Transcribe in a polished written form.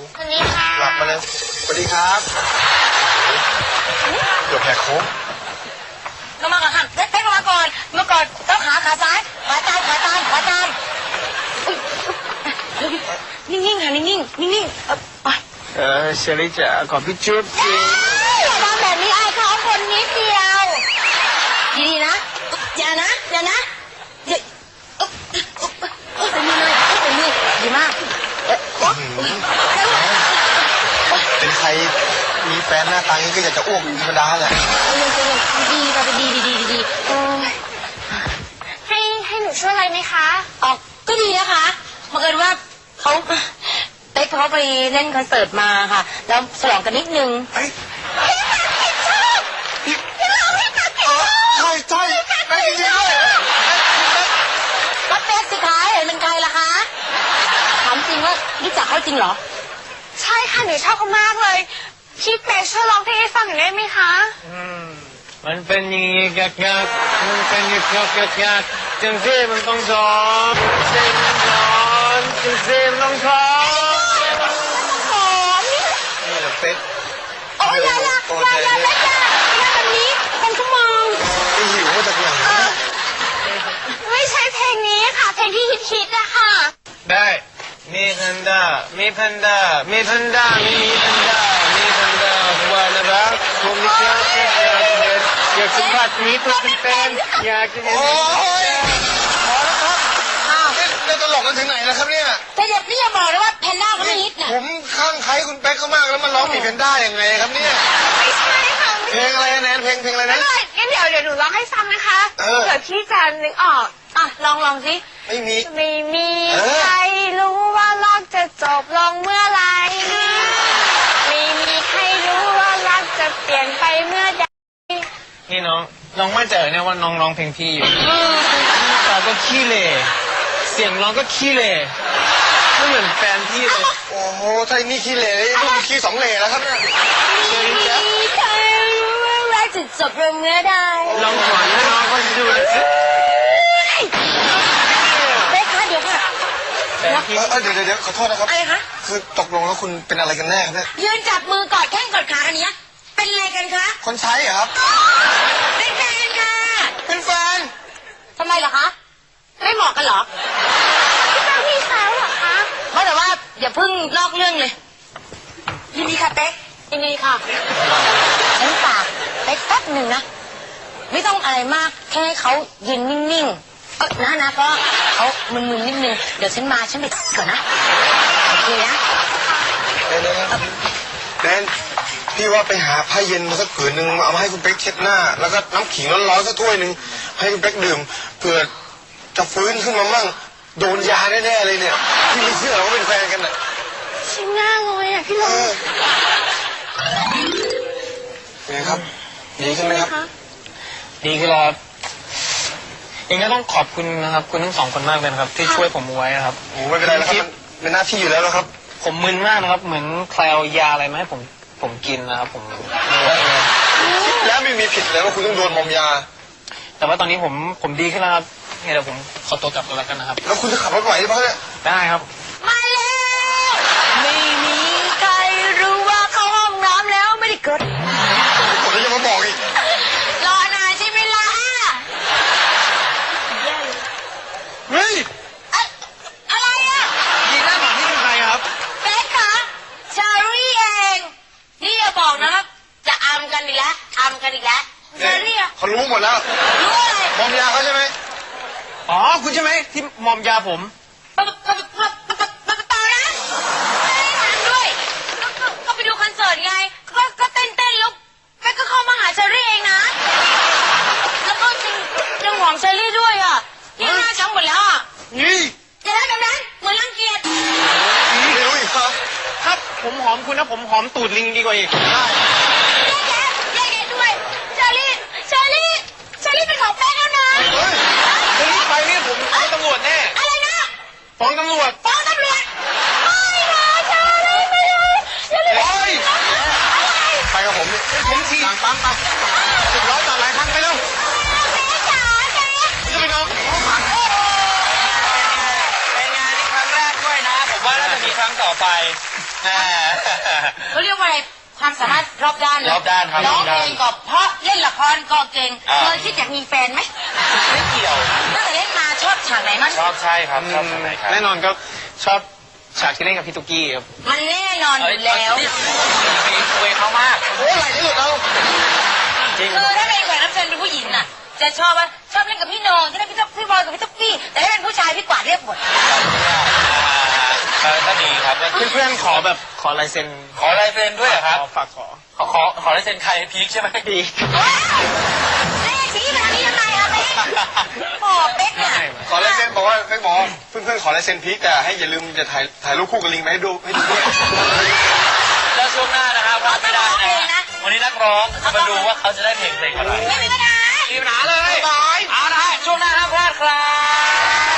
สวัสดีค่ะหลับมาเลยสวัสดีครับเดี๋ยวแหกโค้งลงมาก่อนค่ะเต้นลงมาก่อนเมื่อก่อนต้องขาซ้ายขวาตามนิ่งๆค่ะนิ่งๆเชอรี่จ๋าขอพี่จุ๊บสิทำแบบนี้ไอ้เขาคนนิดเดียวดีๆนะอย่านะเป็นมือดีมากเป็นใครมีแฟนหน้าตางี้ก็อยากจะอ้วกธรรมดาแหละดีค่ะดีให้หนูช่วยอะไรไหมคะอ๋อก็ดีนะคะบังเอิญว่าเขาไปเล่นคอนเสิร์ตมาค่ะแล้วฉลองกันนิดนึงใช่ไปจริงๆด้วยก็เป๊กสิคะเห็นเป็นใครล่ะคะถามจริงว่ารู้จักเขาจริงเหรอใช่ค่ะหนูชอบเขามากเลยพี่เป๊กช่วยร้องเพลงให้ฟังหน่อยได้ไหมคะมันเป็นอย่างนี้กักมันเป็นอย่างนี้กักจังซี่มันต้องสอนจังซี่มันต้องสอนนี่แหละเป๊กโอ้ยอย่าแบบนี้เป็นชั่วโมงไม่หิวมาจากไหนไม่ใช่เพลงนี้ค่ะเพลงที่ฮิตๆอะค่ะได้มีแพนด้าไม่มีแพนด้าว่านะรักผมไม่ชอบอยากสัมผัสมีตัวเป็นอยากจะเห็นโอ้ยพอแล้วครับนี่ตลกกันถึงไหนแล้วครับเนี่ยแต่เด็กนี่อย่าบอกเลยว่าแพนด้าเขาไม่ฮิตนะผมข้างใครคุณเป๊กเขามากแล้วมันร้องมีแพนด้ายังไงครับเนี่ยไม่ใช่ค่ะเพลงอะไรแนนเพลงอะไรนะงั้นเดี๋ยวหนูร้องให้ฟังนะคะเผื่อพี่จะนึกออกลองสิไม่มีใครรู้ว่ารักจะจบลงเมื่อไรไม่มีใครรู้ว่ารักจะเปลี่ยนไปเมื่อใดนี่น้องมั่นใจเนี่ยว่าน้องร้องเพลงพี่อยู่ตาก็ขี้เล่เสียงร้องก็ขี้เล่ไม่เหมือนแฟนพี่เลยโอ้โหถ้านี่ขี้เล่นี่มันขี้สองเล่แล้วครับเนี่ยมีใครรู้ว่ารักจะจบลงเมื่อใดลองสอนให้น้องเขาดูเลยเป๊กคะเดี๋ยวค่ะเดี๋ยวขอโทษนะครับอะไรคะคือตกลงแล้วคุณเป็นอะไรกันแน่ครับเนี่ยยืนจับมือกอดแข้งกอดขาอันนี้เป็นอะไรกันคะคนใช้เหรอครับเป็นแฟนค่ะเป็นแฟนทำไมเหรอคะไม่เหมาะกันเหรอพี่สาวเหรอคะเพราะแต่ว่าอย่าเพิ่งลอกเรื่องเลยยินดีค่ะเป๊กยินดีค่ะฉันฝากเป๊กแป๊บหนึ่งนะไม่ต้องอะไรมากแค่ให้เขายืนนิ่งๆนะก็เขามึนๆนิดนึงเดี๋ยวฉันไปก่อนนะโอเคนะแนนพี่ว่าไปหาผ้าเย็นมาสักผืนหนึ่งเอามาให้คุณเป๊กเช็ดหน้าแล้วก็น้ำขิงร้อนๆสักถ้วยหนึ่งให้คุณเป๊กดื่มเผื่อจะฟื้นขึ้นมามั่งโดนยาแน่ๆเลยเนี่ยพี่ไม่เชื่อว่าเป็นแฟนกันน่ะชิงหน้าเลยอ่ะพี่ลงเป็นไงครับดีขึ้นไหมครับดีขึ้นแล้วเองก็ต้องขอบคุณนะครับคุณทั้งสองคนมากเลยครับที่ช่วยผมไว้ครับโอ้ไม่เป็นไรแล้วครับเป็นหน้าที่อยู่แล้วครับผมมึนมากนะครับเหมือนใครเอายาอะไรมาให้ผมกินนะครับผมแล้วไม่มีผิดเลยว่าคุณต้องโดนมอมยาแต่ว่าตอนนี้ผมดีขึ้นแล้วครับเดี๋ยวผมขอตัวกลับแล้วกันนะครับแล้วคุณจะขับรถไหวหรือเปล่าเนี่ยได้ครับมาแล้วไม่มีใครรู้ว่าเข้าห้องน้ำแล้วไม่ได้กดผมจะมาบอกอีกรอนานใช่ไหมล่ะเฮ้ยอะไรอ่ะยีน่าบอกนี่เป็นใครครับเป๊กคะเชอรี่เองนี่อย่าบอกนะครับจะอำกันอีกแล้วเชอรี่เขารู้หมดแล้วรู้อะไรมอมยาเขาใช่ไหมอ๋อคุณใช่ไหมที่มอมยาผมเปล่านะไม่ได้ถามด้วยก็ไปดูคอนเสิร์ตไงก็เต้นแล้วเป๊กก็เข้ามาหาเชอรี่เองนะแล้วก็ยังหวงเชอรี่ด้วยอ่ะนี่หน้าช้ำหมดแล้วอ่ะนี่จะได้แบบนั้นเหมือนรังเกียจนี่รู้อีกครับถ้าผมหอมคุณนะผมหอมตูดลิงดีกว่าอีกได้แยกด้วยเชอรี่เป็นของแป๊กแล้วนะคุณไปนี่ผมฟ้องตำรวจแน่อะไรนะฟ้องตำรวจไม่นะเชอรี่ไม่เลยไปกับผมนี่ผมขี่ปั๊มไป10 ล้อจอดหลายครั้งไปเร็วจะไปน้องเป็นงานที่ครั้งแรกด้วยนะผมว่าน่าจะมีครั้งรั้งต่อไปเขาเรียกว่าอะไรความสามารถรอบด้านเลยรอบด้านครับร้องเพลงก็เพราะเล่นละครก็เก่งเคยคิดอยากมีแฟนไหมไม่เกี่ยวตั้งแต่เล่นมาชอบฉากไหนมั้งชอบใช่ครับชอบทางไหนครับแน่นอนก็ชอบฉากที่เล่นกับพี่ตุ๊กกี้ครับมันแน่นอนอยู่แล้วคุยเขามากโอ้ยอะไรที่สุดเราจริงคือถ้าเป็นแขกรับเชิญเป็นผู้หญิงน่ะ จะชอบว่าชอบเล่นกับพี่โหนงจะเล่นพี่บอยกับพี่ตุ๊กกี้แต่ถ้าเป็นผู้ชายพี่กวาดเรียกหมดก็ดีครับเพื่อนๆขอแบบขอลายเซ็นขอลายเซ็นด้วยเหรอครับฝากขอขอลายเซ็นใครพีคใช่ไหมดีแม่ชี้ขนาดนี้ยังไงอะเป๊กโอ้เป๊กเนี่ยขอลายเซ็นบอกว่าเป๊กบอกว่าเพื่อนๆขอลายเซ็นพีคแต่ให้อย่าลืมจะถ่ายรูปคู่กับลิงไปให้ดูด้วยแล้วช่วงหน้านะครับพลาดไม่ได้นะวันนี้นักร้องจะมาดูว่าเขาจะได้เพลงอะไรไม่มีปัญหามีปัญหาเลยเอาละช่วงหน้าห้ามพลาดครับ